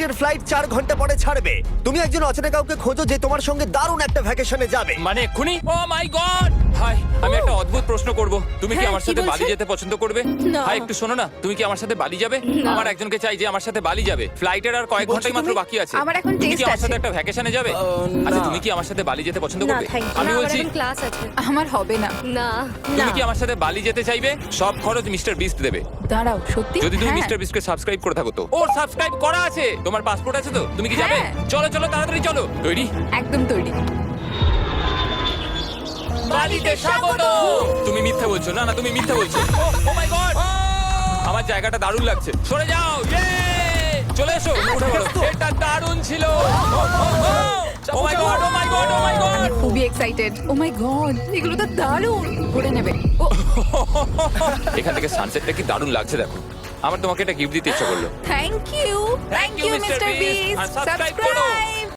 পরের ফ্লাইট 4 ঘন্টা পরে ছাড়বে। তুমি একজন অচেনা কাউকে খোঁজো যে তোমার সঙ্গে দারুণ একটা ভ্যাকেশনে যাবে। মানে এক্ষুনি? ও মাই গড! হাই, আমি একটা অদ্ভুত প্রশ্ন করব। তুমি কি হ্যাঁ, আমার কি সাথে বলছেন? বালি যেতে পছন্দ করবে? না। হাই, একটু শোনো না, তুমি কি আমার সাথে বালি যাবে? না। আমার একজনকে চাই যে আমার সাথে বালি যাবে। ফ্লাইটের আর কয়েক বলছো ঘন্টাই মাত্র তুমি? বাকি আছে। আমার এখন তুমি কি test আমার সাথে আছে। একটা ভ্যাকেশনে যাবে? না। আচ্ছা, তুমি কি আমার সাথে বালি যেতে পছন্দ না, করবে? thank you। আমি না, আমার বলছি, এখন ক্লাস আছে। আমার হবে না। না। তুমি না। কি আমার সাথে বালি যেতে চাইবে? সব খরচ মিস্টার বিস্ট দেবে। দাঁড়াও, সত্যি? যদি তুমি হ্যাঁ। মিস্টার বিস্টকে সাবস্ক্রাইব করে থাকো তো। ওর সাবস্ক্রাইব করা আছে। তোমার পাসপোর্ট আছে তো? তুমি কি যাবে? হ্যাঁ। চলো চলো, তাড়াতাড়ি চলো। তৈরি? একদম তৈরি। বালিতে স্বাগত। তুমি মিথ্যা বলছো। না না, তুমি মিথ্যা বলছো। Oh my god! আমার জায়গাটা দারুণ লাগছে। সরে যাও। ইয়ে! চলে এসো, উঠে পড়ো। এটা দারুণ ছিল। Oh my god, oh my god, oh my god! আমি খুবই এক্সাইটেড। ও মাই গড, এগুলো তো দারুণ। করে নেবে। ও এখান থেকে সানসেটটা কি দারুণ লাগছে দেখো। আমার তোমাকে একটা গিফট দিতে ইচ্ছা করলো। Thank you. Thank you Mr. Mister Beast। Beast. আর subscribe করো। সাবস্ক্রাইব।